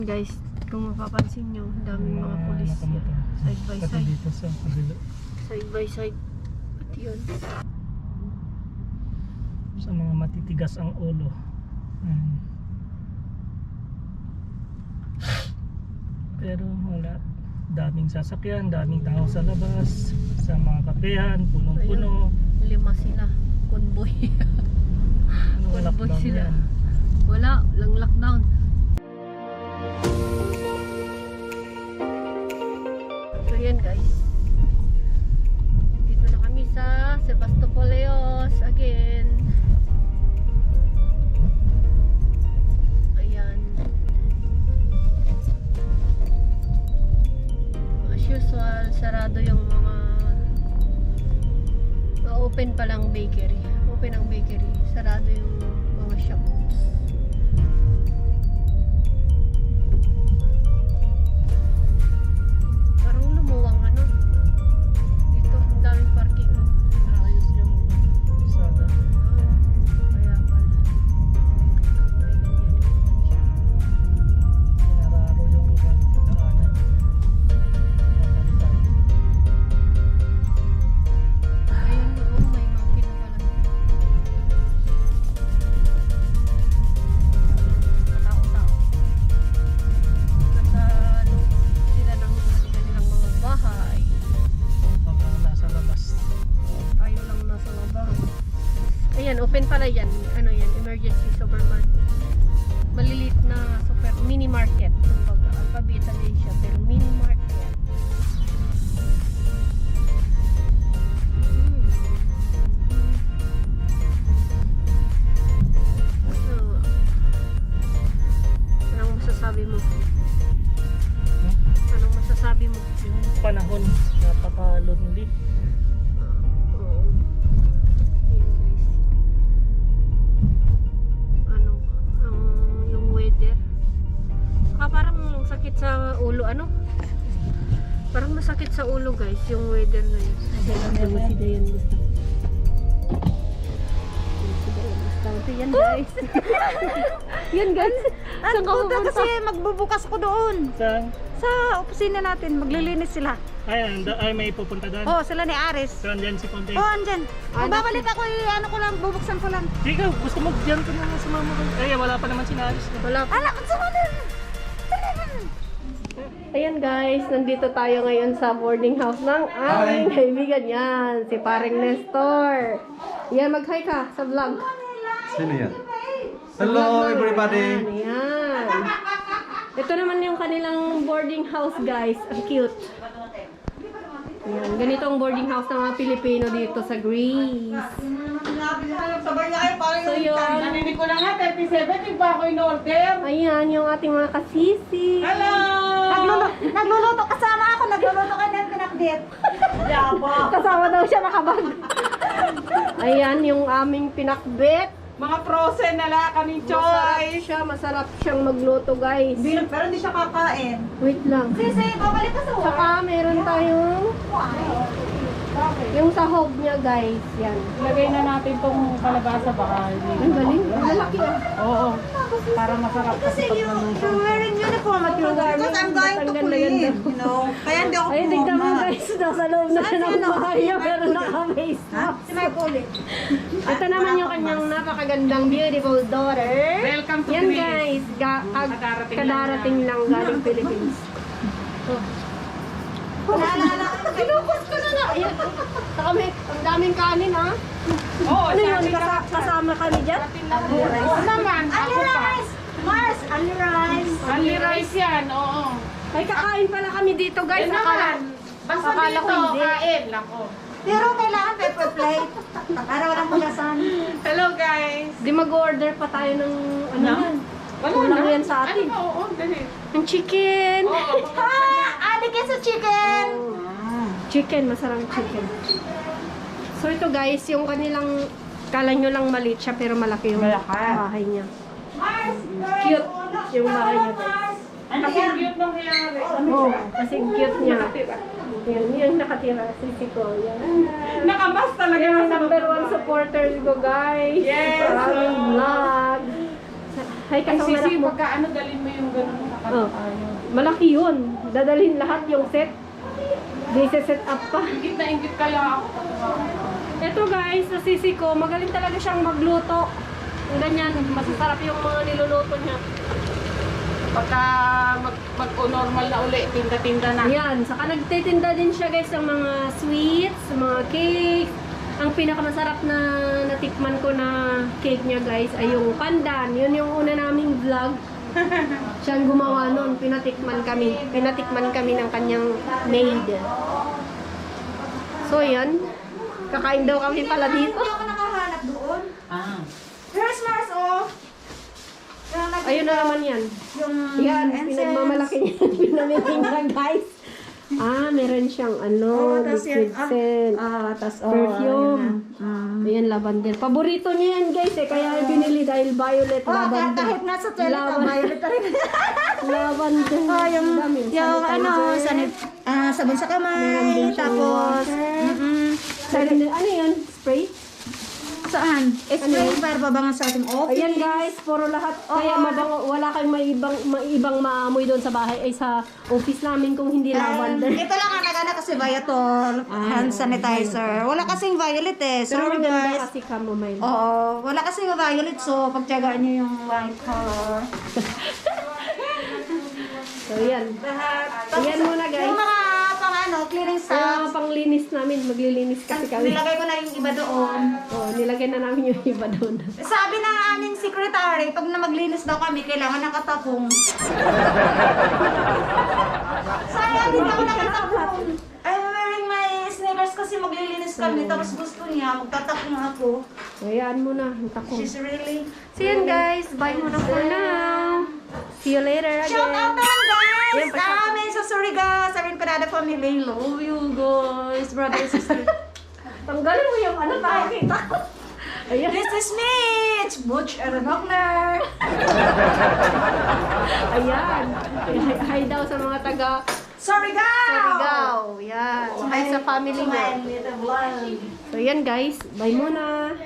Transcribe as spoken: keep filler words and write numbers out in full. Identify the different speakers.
Speaker 1: Guys, kung mapapansin nyo, daming mga pulis yan. Side by side.
Speaker 2: Dito sa kabila.
Speaker 1: Side by side. At yun.
Speaker 2: Sa mga matitigas ang ulo. Hmm. Pero wala. Daming sasakyan, daming tao sa labas. Sa mga kapehan, punong-puno.
Speaker 1: Lima sila. Convoy.
Speaker 2: Ano
Speaker 1: Convoy
Speaker 2: lockdown
Speaker 1: sila.
Speaker 2: yan?
Speaker 1: Wala, lang lockdown. So yan guys. Dito na kami sa Sebastopoleos again. Ayan. As usual, sarado yung mga uh, open pa lang bakery. Open ang bakery. Sarado yung mga shops. Parang lumuwang ano. Dito, ang daming parking.
Speaker 2: Ayos yung isada.
Speaker 1: Ah, kaya pala. Ay, ganyan siya.
Speaker 2: Pinararo yung daanan. Mapalitan.
Speaker 1: Ayun, oo, may mountain na pala. Katao-tao. Nasa loob sila ng kanilang mga bahay.
Speaker 2: Habang nasa labas.
Speaker 1: Tayo lang nasa labas. Ayan, open pala yan. Ano yan? Emergency supermarket. Malilit na super mini market. Kumbaga, alphabeta din siya, pero mini market. Hmm. So, anong masasabi mo?
Speaker 2: Hmm?
Speaker 1: Anong masasabi mo?
Speaker 2: Yung panahon, napaka-lonely.
Speaker 1: Ah, oo. Ayan guys. Ano, ang yung weather. Ah, parang sakit sa ulo, ano? Parang masakit sa ulo guys, yung weather na yun. Si Dayan gusto. Si Dayan gusto. Yan guys. Yan guys. Saan ka
Speaker 3: Puta
Speaker 1: pupunta?
Speaker 3: kasi magbubukas ko doon.
Speaker 2: Saan?
Speaker 3: Sa opisina natin, maglilinis sila.
Speaker 2: Ay, anda, ay may pupunta doon.
Speaker 3: Oh, sila ni Aris.
Speaker 2: So, andyan si Ponte.
Speaker 3: Oh, andyan. Kung
Speaker 1: Ano?
Speaker 3: babalik ako, eh, ano ko lang, bubuksan ko lang.
Speaker 2: Ikaw, gusto mo dyan ka naman sa mama ko. Ay, wala pa naman si Naris.
Speaker 1: Wala pa.
Speaker 3: Anak, sa mga
Speaker 1: Ayan guys, nandito tayo ngayon sa boarding house ng aming kaibigan yan, si Paring Nestor. Yan, mag-hi ka sa vlog.
Speaker 4: Sino yan? Hello everybody!
Speaker 1: Ayan, ayan. Ito naman yung kanilang boarding house guys, ang cute. Ayan, ganito ang boarding house ng mga Pilipino dito sa Greece. So yun,
Speaker 5: Narinig ko na nga, thirty-seven, di ba ako in-order?
Speaker 1: ayan yung ating mga kasisi.
Speaker 5: Hello!
Speaker 3: Nagluluto, nagluluto kasama ako, nagluluto ka ng pinakdit.
Speaker 5: Yaba!
Speaker 1: Kasama daw siya nakabag. Ayan yung aming pinakbet.
Speaker 5: Mga frozen na la, kaming
Speaker 1: Masarap
Speaker 5: choice!
Speaker 1: siya, masarap siyang magluto guys.
Speaker 3: Pero hindi siya kakain.
Speaker 1: Wait lang.
Speaker 3: Sisi, babalik ka sa work.
Speaker 1: Saka meron tayong yung sahog niya guys. Yan.
Speaker 5: Lagay na natin tong kalabasa baka.
Speaker 1: Ang galing. Ang malaki ah.
Speaker 5: Oo, para masarap kasi pag naman.
Speaker 3: You're wearing uniform at your work. Because I'm going to
Speaker 1: Ganda-ganda.
Speaker 3: quit, you know. Kaya hindi ako
Speaker 1: Ay, tignan mo
Speaker 3: pumama.
Speaker 1: guys. Nasa loob na siya ng bahay niya pero naka-face
Speaker 3: Ha?
Speaker 1: mask.
Speaker 3: Si Mike ulit.
Speaker 1: Ito naman yung kanyang napakagandang beautiful daughter.
Speaker 5: Welcome to
Speaker 1: Yan
Speaker 5: Greece.
Speaker 1: guys. Ga- ag-
Speaker 5: Kadarating lang
Speaker 1: kadarating lang galing Philippines. Oh.
Speaker 3: Naalala ko.
Speaker 1: Pinupos ko na na. Ayan. Saka may, ang daming kanin ha.
Speaker 5: Oo,
Speaker 1: Ano yun?
Speaker 5: sabi ka
Speaker 1: Kasa- kasama kami dyan?
Speaker 5: Oo naman,
Speaker 3: Ali
Speaker 5: ako pa.
Speaker 3: rice! Mars, Ali rice!
Speaker 5: Ali rice yan, oo.
Speaker 1: Ay, kakain pala kami dito guys.
Speaker 5: Yan
Speaker 1: Akala,
Speaker 5: naman. Basta
Speaker 1: akala ko
Speaker 5: dito,
Speaker 1: hindi.
Speaker 5: kain lang ko.
Speaker 3: Pero kailangan pepper plate. Para walang pulasan.
Speaker 5: Hello guys!
Speaker 1: Di mag-order pa tayo ng ano
Speaker 5: No?
Speaker 1: yan.
Speaker 5: Wala
Speaker 1: Kulang
Speaker 5: na.
Speaker 1: yan sa atin.
Speaker 5: Ano ba? Oo, dali.
Speaker 1: Ang chicken.
Speaker 5: Oo,
Speaker 3: Ha! Alikin sa chicken!
Speaker 1: Chicken, masarang chicken. So ito guys, yung kanilang, kala nyo lang maliit siya pero malaki yung
Speaker 5: Malaki.
Speaker 1: bahay niya. Cute yung bahay niya guys.
Speaker 5: Ang cute nung nangyari.
Speaker 1: Oh, kasi cute niya. Yan, yung nakatira, sisi ko. Yan.
Speaker 5: Nakamas talaga
Speaker 1: Yung
Speaker 5: sa
Speaker 1: number
Speaker 5: baba.
Speaker 1: one supporters ko guys.
Speaker 5: Yes,
Speaker 1: Sa aming
Speaker 5: oh.
Speaker 1: vlog. Hi
Speaker 5: Ay,
Speaker 1: ka sa
Speaker 5: sisi,
Speaker 1: anak mo.
Speaker 5: pagka ano, dalhin mo yung gano'n.
Speaker 1: Oh, malaki yun. Dadalhin lahat yung set. Di set up pa.
Speaker 5: Ingit na ingit kaya ako.
Speaker 1: Ito guys, sa sisi ko, magaling talaga siyang magluto. Ganyan, masasarap yung mga niluluto niya.
Speaker 5: Pagka mag, mag-normal na uli, tinda-tinda na.
Speaker 1: Yan, saka nagtitinda din siya guys ng mga sweets, mga cakes. Ang pinakamasarap na natikman ko na cake niya guys ay yung pandan. Yun yung una naming vlog. Siyang gumawa nun, pinatikman kami. Pinatikman kami ng kanyang maid. So yan, kakain daw kami pala dito.
Speaker 3: Hindi ako nakahanap doon.
Speaker 5: Ah.
Speaker 3: Here's Mars, oh. Yung nag-
Speaker 1: Ayun na naman yan.
Speaker 3: Yung
Speaker 1: Yan,
Speaker 3: incense.
Speaker 1: pinagmamalaki niya. Pinamitinda guys. Ah, meron siyang ano,
Speaker 3: Oh, tas
Speaker 1: liquid
Speaker 3: yan, ah,
Speaker 1: scent.
Speaker 3: Ah, tas oh.
Speaker 1: Perfume.
Speaker 3: ayun na. Mm.
Speaker 1: Ayan, lavender. Paborito niya yan guys eh. Kaya binili dahil violet,
Speaker 3: Oh, kahit,
Speaker 1: lavender.
Speaker 3: kahit nasa toilet,
Speaker 1: Laban-
Speaker 3: ang violet pa rin.
Speaker 1: Lavender.
Speaker 3: Oh, yung,
Speaker 1: Dami.
Speaker 3: yung ano,
Speaker 1: Sanitizer.
Speaker 3: sanit, ah, sabon sa
Speaker 1: Meron
Speaker 3: kamay,
Speaker 1: din siyang
Speaker 3: tapos,
Speaker 1: water.
Speaker 3: mm
Speaker 1: Sanitizer. Ano yun? Spray?
Speaker 3: saan? Spray
Speaker 1: Ano?
Speaker 3: para pabangan sa ating office.
Speaker 1: Ayan guys, puro lahat. Kaya
Speaker 3: Oo.
Speaker 1: mabango, wala kayong maibang, maibang maamoy doon sa bahay ay sa office namin kung hindi
Speaker 3: Um,
Speaker 1: lavender.
Speaker 3: ito lang ang nagana kasi Viator hand sanitizer. Wala kasing violet eh.
Speaker 1: Pero
Speaker 3: Sorry
Speaker 1: maganda
Speaker 3: guys.
Speaker 1: kasi chamomile.
Speaker 3: Oo, wala kasing violet so pagtiyagaan niyo yung white color.
Speaker 1: So yan.
Speaker 3: Lahat.
Speaker 1: Ayan muna guys.
Speaker 3: Yung mga pang ano, cleaning
Speaker 1: Yung mga
Speaker 3: stuff.
Speaker 1: panglinis namin, maglilinis kasi kami.
Speaker 3: Nilagay ko na yung iba doon.
Speaker 1: Oh, nilagay na namin yung iba doon.
Speaker 3: Sabi ng aming secretary, pag na maglinis daw kami, kailangan nakatapong. Sayang, hindi ako nakatapong. I'm wearing my sneakers kasi maglilinis kami. Tapos gusto niya, magtatapong ako.
Speaker 1: Ayan muna, ang tako.
Speaker 3: She's really...
Speaker 1: So yan guys, bye muna for now. See you later again.
Speaker 3: Shout out naman guys!
Speaker 1: Yan, pa-
Speaker 3: Sa amin sa Surigao, sa amin Panada family. Love you guys, brother and sister.
Speaker 1: Tanggalin mo yung ano, nakikita ko. Ayan.
Speaker 3: This is Mitch! Butch Aranokner!
Speaker 1: Ayan. Hi, hi daw sa mga taga
Speaker 3: Surigao!
Speaker 1: Surigao. Yan. Hi sa family
Speaker 3: To my
Speaker 1: niya.
Speaker 3: little vlog.
Speaker 1: So yan guys, bye muna.